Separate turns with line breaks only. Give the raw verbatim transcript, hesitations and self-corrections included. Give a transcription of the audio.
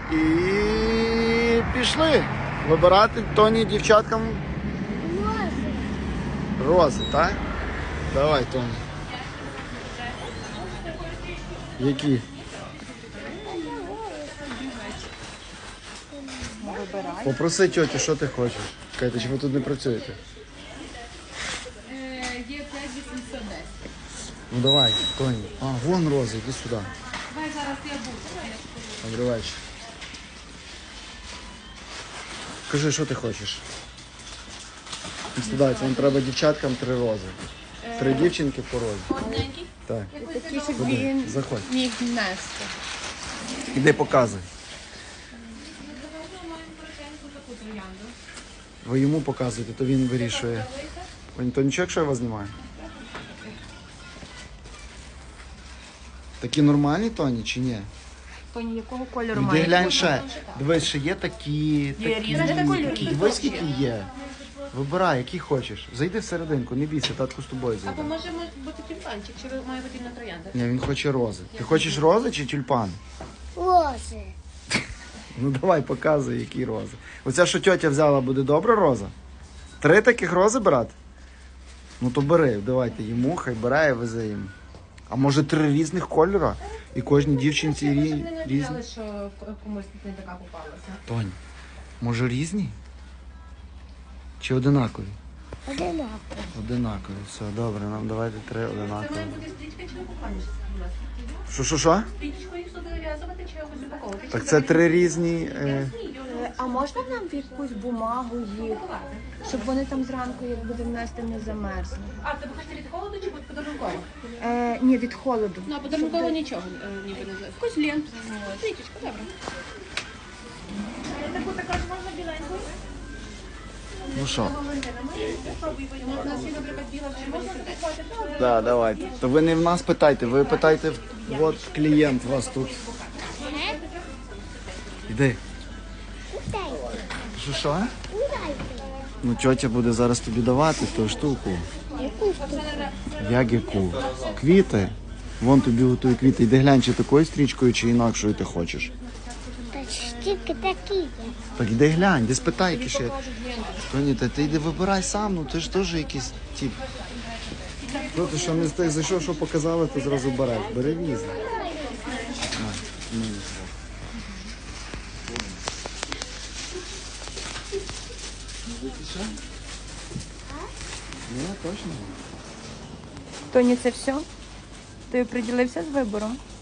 І пішли вибирати Тоні дівчаткам
Рози.
рози, так? Давай, Тоні. Які?
Вибирай.
Попроси тьотю, що ти хочеш. Кайте, чи ви тут не працюєте?
Є п'ять вісімсот десять.
Ну давай, Тоні. А, вон рози, іди сюди.
Давай зараз я буду.
Добрий вечір. Кажи, що ти хочеш? Сюди, це нам треба дівчаткам три рози. Три дівчинки по розі.
Одненький.
Так.
Такий, щоб
Куди?
він
Заходь.
міг нести.
Іди показуй. Ви йому показуєте, то він вирішує. Пані, то нічого, якщо я вас знімаю? Такі нормальні, Тоні, чи ні?
Тоні, якого кольору
Іди
має?
глянь ще. Дивись, ще є такі, такі,
різні кольори.
такі. Дивись, скільки є. Вибирай, які хочеш. Зайди всерединку, не бійся, татку з тобою
Або
зайде.
може бути тюльпанчик, чи ви- має бути на троянда?
Ні, він хоче рози. Ти хочеш рози чи тюльпан?
Рози.
Ну давай, показуй, які рози. Оця, що тьотя взяла, буде добра роза? Три таких рози брати? Ну то бери, давайте йому, хай бере і везе їм. А може три різних кольора? І кожній дівчинці
Ми
рі...
не
різні?
надіяли, що комусь не така попалася.
Тонь, може різні? Чи одинакові?
Одинаково.
Одинакові, все, добре, нам давайте три
Це
одинакові.
має бути стрічка чи упакованість?
Що, що, що?
Стрічкою сюди нав'язувати чи якось упаковувати?
Так це три різні... Е...
А можна нам в якусь бумагу їх, щоб вони там зранку, як буде внести, не замерзли?
А, ти хочете від холоду чи від подарунково?
Е, ні, від холоду.
Ну, а подарунково нічого е, ніби не знаю. Якусь ленту. Стрічечка, добре. Таку також можна біленьку?
Ну що?
У нас є, наприклад, біла в червоному сердечку.
Да, давайте. То ви не в нас питайте, ви питайте, от клієнт у вас тут. Іди. Що, що? Ну, тьотя буде зараз тобі давати ту штуку. Як яку? Квіти. Вон тобі готує квіти. Іди глянь, чи такою стрічкою, чи інакшою ти хочеш.
Та ж тільки такі є.
Так іди глянь, де спитай, які ще. Тоні, та ти йди вибирай сам, ну ти ж теж якийсь тип. Що ти що не встиг зайшов, що показали, то зразу береш. Бери різне. На, ну, не знаю. Ні, точно.
Тоні, це все? Ти приділився з вибором?